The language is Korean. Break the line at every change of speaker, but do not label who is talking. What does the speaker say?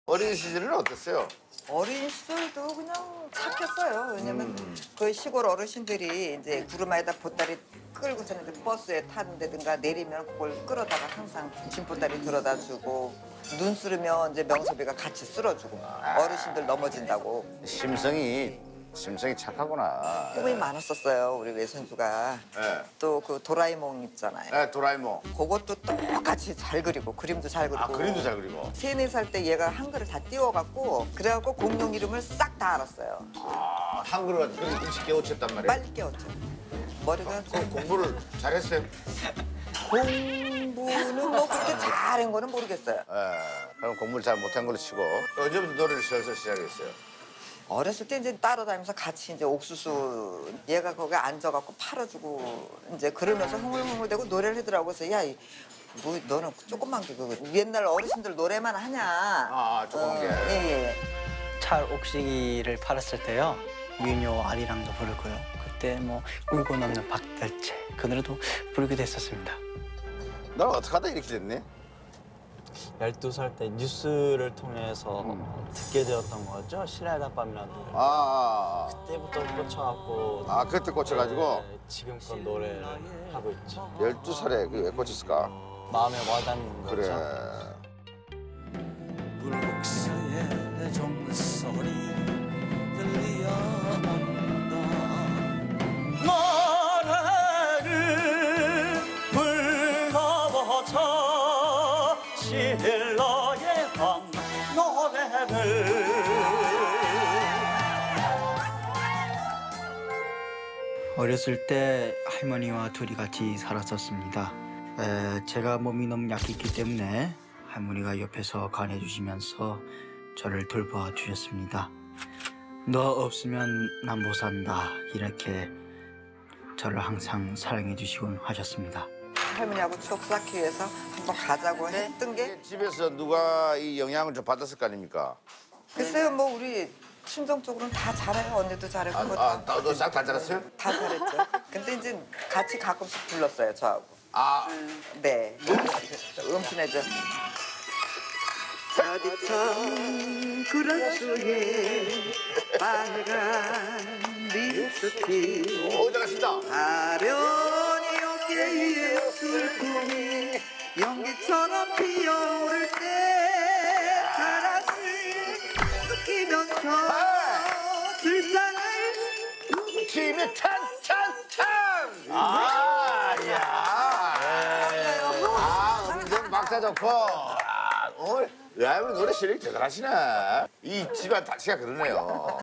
어린 시절은 어땠어요?
어린 시절도 그냥 착했어요. 왜냐면 그 시골 어르신들이 이제 구름아에다 보따리 끌고서 이제 버스에 타는데든가 내리면 그걸 끌어다가 항상 짐 보따리 들어다 주고 눈 쓰르면 이제 명섭이가 같이 쓸어주고 어르신들 넘어진다고
심성이 착하구나.
꿈이 많았었어요. 우리 외손주가.
예.
또 그 도라에몽 있잖아요.
예, 도라에몽.
그것도 똑같이 잘 그리고 그림도 잘 그리고.
아, 그림도 잘 그리고.
3, 4살 때 얘가 한글을 다 띄워갖고 그래갖고 공룡 이름을 싹 다 알았어요.
아, 한글을 그렇게 일찍 깨우쳤단 말이에요.
빨리 깨웠죠. 머리가
공부를 잘했어요?
공부는 뭐 그렇게 잘한 거는 모르겠어요.
예. 그럼 공부를 잘 못한 걸로 치고. 언제부터 노래를 슬슬 시작했어요?
어렸을 때 이제 따라다니면서 같이 이제 옥수수 얘가 거기 앉아갖고 팔아주고 이제 그러면서 흥얼흥얼대고 노래를 하더라고. 그래서 야, 뭐 너는 조금만 그 옛날 어르신들 노래만 하냐.
아, 조그만 게.
예.
찰옥시기를 팔았을 때요. 윤요 아리랑도 부르고요. 그때 뭐 울고 넘는 박달채 그 노래도 부르게 됐었습니다.
너 어떻게 하다 이렇게 됐니?
12살 때 뉴스를 통해서 듣게 되었던 거죠. 시라이다 밤이라는 노래.
아,
그때부터 꽂혀갖고
그때 꽂혀가지고
네, 지금껏 노래를 하고 있죠.
12살에 그 왜 꽂혔을까?
마음에 와닿는 거죠.
그래.
불국사의 종소리 들려온다 노래를 불러보자 신라의 밤 노래를
어렸을 때 할머니와 둘이 같이 살았었습니다. 제가 몸이 너무 약했기 때문에 할머니가 옆에서 간해 주시면서 저를 돌봐 주셨습니다. 너 없으면 난 못 산다 이렇게 저를 항상 사랑해 주시곤 하셨습니다.
할머니하고 추억 쌓기 위해서 한번 가자고 했던 게
집에서 누가 이 영향을 좀 받았을 거 아닙니까?
글쎄요, 뭐 우리 친정 쪽으로는 다 잘해요. 언니도 잘했고 뭐
너 싹 다 잘했어요?
다 잘했죠. 근데 이제 같이 가끔씩 불렀어요, 저하고.
아,
네. 음순해죠. 따뜻한 그라스에 빨간 립스틱
잘하신다.
아련히 어깨에 슬픔이 연기처럼 피어오를 때 사랑을 느끼면서 술잔을
힘이 찬찬찬! 아, 야. 음성 박자 좋고. 오늘, 야, 우리 노래 실력이 대단하시네. 이 집안 자체가 그러네요.